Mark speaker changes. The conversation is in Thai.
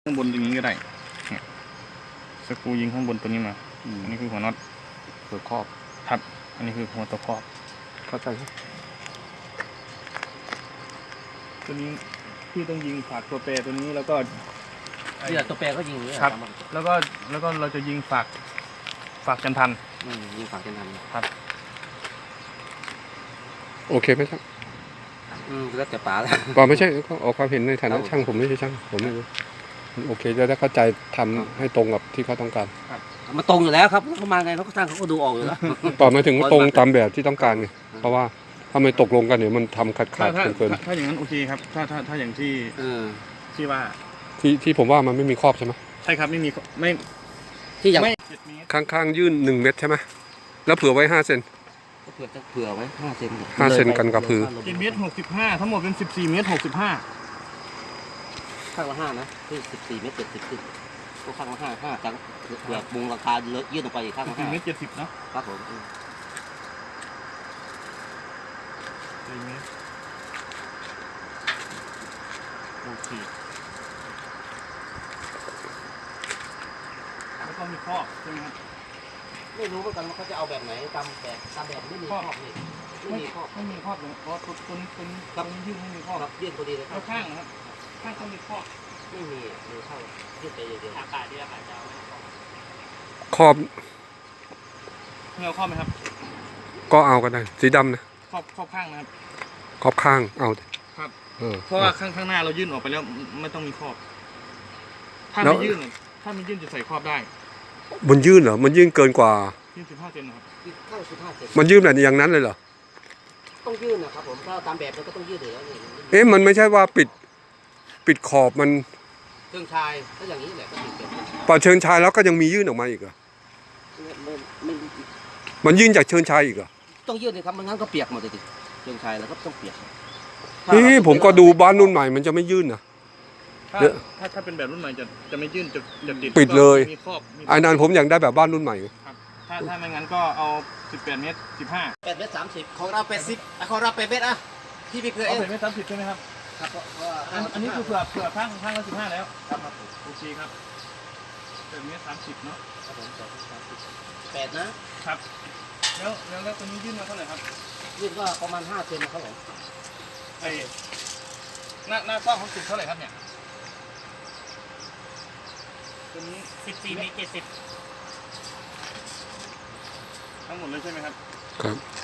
Speaker 1: ข้างบนตรงนี้ก็ได้สกรูยิงข้างบนตัวนี้มาอันนี้คือหัวน็อตหัวครอบครับอันนี้คือหัวตัวครอบเข้าใจครับตัวนี้พี่ต้องยิงฝากตัวแปรตัวนี้แล้วก็
Speaker 2: ที่ตัวแปรก็ยิงอย่างนี้
Speaker 1: ครับแล้วก็เราจะยิงฝากกันทัน
Speaker 2: ยิงฝากกันทัน
Speaker 1: ครับ
Speaker 3: โอเคไหมครับ
Speaker 2: แล้วแต่ป๋าแล้ว
Speaker 3: ป๋าไม่ใช่ก็ออกความเห็นในฐานะช่างผมไม่ใช่ช่างผมไม่รู้โอเคจะได้เข้าใจทำให้ตรงกับที่เขาต้องการ
Speaker 2: มันตรงอยู่แล้วครับเขามาไงเขาก็สร้างเขาก็ดูออกอยู่แล้ว
Speaker 3: ต่อมาถึงตรงตามแบบที่ต้องการไงเพราะว่าถ้าไม่ตกลงกันเนี่ยมันทำขาดเกิน
Speaker 1: ถ้าอย่างนั้นโอเคครับถ้าอย่างที่ว่า
Speaker 3: ที่ผมว่ามันไม่มีครอบใช่ไหม
Speaker 1: ใช่ครับไม่มีไม่
Speaker 2: ที่อย่าง
Speaker 3: ข้างยื่น1 เมตรใช่ไหมแล้วเผื่อไว้5 เซน
Speaker 2: เผื่อไว้5 เซน
Speaker 3: 5 เซนกันกับพื้น
Speaker 1: 7 เมตร 65ทั้งหมดเป็น14 เมตร 65
Speaker 2: ข้างละ5นะที่14 เมตร 70ขึ้นก็ข้างละ5จากเผื่อมุงราคายื่นออกไปอีกข้างละ
Speaker 1: 5 เมตร 70เนาะ
Speaker 2: ครับผม
Speaker 1: 4 เมตรโอเคแล้วก็มีครอบใช่ไหมครับ
Speaker 2: ไม่รู้เหมือนกันว่าเขาจะเอาแบบไหนตามแบบไม่มีครอบนี่ไม่มีครอบ
Speaker 1: เลยเพราะตัวนี้ยื่นไม่มีครอบ
Speaker 2: ยื่นพอดีเลยครับ
Speaker 1: ข้างนะครับข้างต้องมีครอบ
Speaker 2: ไม่มีเข้ายื่นไปเดียว
Speaker 1: อากาศดีอากาศจะ
Speaker 3: ครอบ
Speaker 1: เงาครอบไหมครับ
Speaker 3: ก็เอากันได้สีดำนะ
Speaker 1: ครอบข้างนะครับ
Speaker 3: ครอบข้างเอา
Speaker 1: ครับเพราะว่าข้างหน้าเรายื่นออกไปแล้วไม่ต้องมีครอบถ้าไม่ยื่นจะใส่ครอบได้
Speaker 3: มันยื่นเหรอมันยื่นเกินกว่า
Speaker 1: ยื่น15 เซนนะครับ
Speaker 2: เข้า15 เซน
Speaker 3: มันยื่นแบบอย่างนั้นเลยเหรอ
Speaker 2: ต้องยื่นนะครับผมถ้าตามแบบมันก็ต้องยื่นอยู่แล้ว
Speaker 3: มันไม่ใช่ว่าปิดขอบมัน
Speaker 2: เชิงชายก็อย่างนี้แหละก็ปิด
Speaker 3: พอเชิงชายแล้วก็ยังมียื่นออกมาอีกเหรอมันยื่นจากเชิงชายอีกเหรอ
Speaker 2: ต้องยื่นเลยครับมันงั้นก็เปียกหมดเลยเชิงชายแล้วก็ต้องเปียก
Speaker 3: ผมก็ดูบ้านรุ่นใหม่มันจะไม่ยื่นนะ
Speaker 1: ถ้าเป็นแบบรุ่นใหม่จะไม่ยื่นจะติด
Speaker 3: ปิดเลย
Speaker 1: มีครอบ
Speaker 3: ไอ้นั่นผมอยากได้แบบบ้านรุ่นใหม่
Speaker 1: ครับถ้าไม่งั้นก็เอา18 เมตร 15
Speaker 2: 8 เมตร 30ของเรา80ของเรา8 เมตรอะที่พี่เคย
Speaker 1: 8 เมตร 30ใช่ไหมครับครับอันนี้คือเผื่อข้างละ15แล้วครับโอเคครับ8 เมตร 30เนาะ
Speaker 2: ครับผม8นะครับ
Speaker 1: แล้วตัวนี้ยื่นมาเท่าไหร่ครับ
Speaker 2: ยื่นก็ประมาณ5 เซนนะครับผม
Speaker 1: ไอ้หน้ากว้างของสุดเท่าไหร่ครับเนี่ยตัวนี้14 เมตร 70ทั้งหมดเลยใช่ไหมครับ
Speaker 3: ครับ